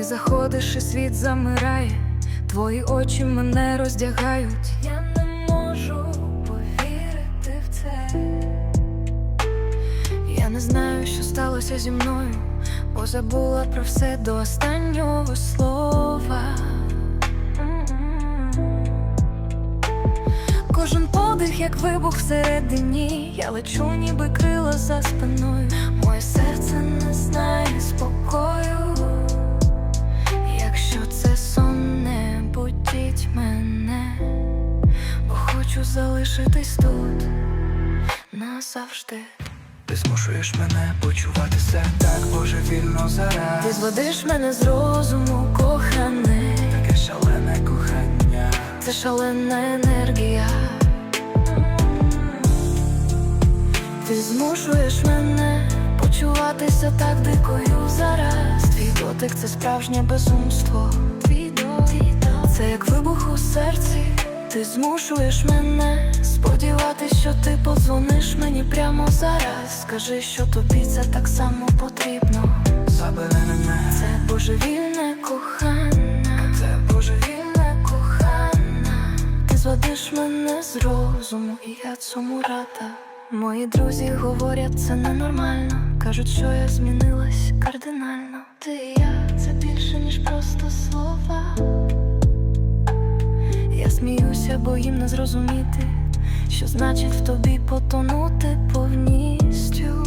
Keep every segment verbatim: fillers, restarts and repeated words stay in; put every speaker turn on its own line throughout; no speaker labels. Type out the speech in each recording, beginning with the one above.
Ти заходиш і світ замирає, твої очі мене роздягають. Я не можу повірити в це. Я не знаю, що сталося зі мною, бо забула про все до останнього слова. Кожен подих, як вибух всередині, я лечу, ніби крила за спиною. Моє серце не знає спокою. Якщо це сон, не будіть мене, бо хочу залишитись тут назавжди.
Ти змушуєш мене почуватися так божевільно зараз.
Ти зводиш мене з розуму, коханий.
Таке шалене кохання,
це шалена енергія. Ти змушуєш мене почуватися так дикою зараз. Твій дотик – це справжнє безумство. Твій дотик – це як вибух у серці. Ти змушуєш мене сподіватись, що ти подзвониш мені прямо зараз. Скажи, що тобі це так само потрібно.
забери мене,
Це божевільне кохання,
це божевільне
кохання. Ти зводиш мене з розуму, і я цьому рада. Мої друзі говорять, це ненормально. Кажуть, що я змінилась кардинально. Ти і я – це більше, ніж просто слова. Я сміюся, бо їм не зрозуміти, що значить в тобі потонути повністю.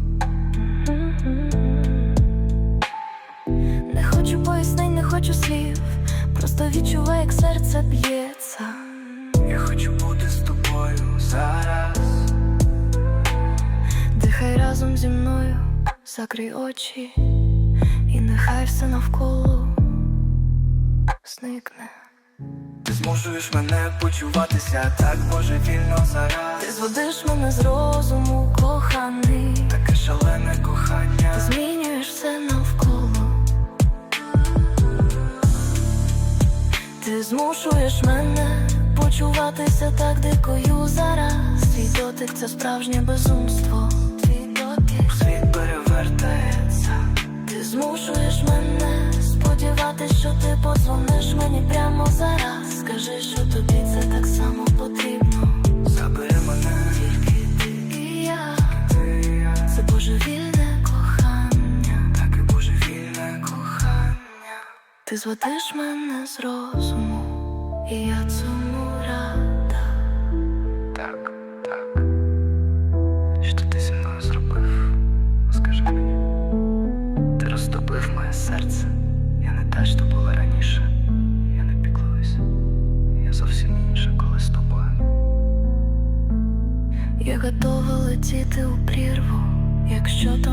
Не хочу пояснень, не хочу слів, просто відчуваю, як серце б'ється.
Я хочу бути з тобою зараз.
Дихай разом зі мною, закрий очі, і нехай все навколо зникне.
Ти змушуєш мене почуватися так божевільно зараз.
Ти зводиш мене з розуму, коханий.
Таке шалене кохання,
Ти змінюєш все навколо. Ти змушуєш мене почуватися так дикою зараз. Твій дотик – це справжнє безумство. Твій дотик
світ перевертається.
Ти змушуєш мене сподіватись, що ти подзвониш мені прямо зараз. Скажи, що тобі це так само потрібно.
Забери мене,
Тільки ти і я,
ти і я,
це божевільне кохання,
таке божевільне кохання.
Ти зводиш мене з розуму, і я цьому рада.
Так, так. Що ти зі мною зробив? Скажи мені. Ти розтопив моє серце. Я не та, що була раніше. Я не піклуюся. Я зовсім інша, коли з тобою.
Я готова летіти у прірву, якщо то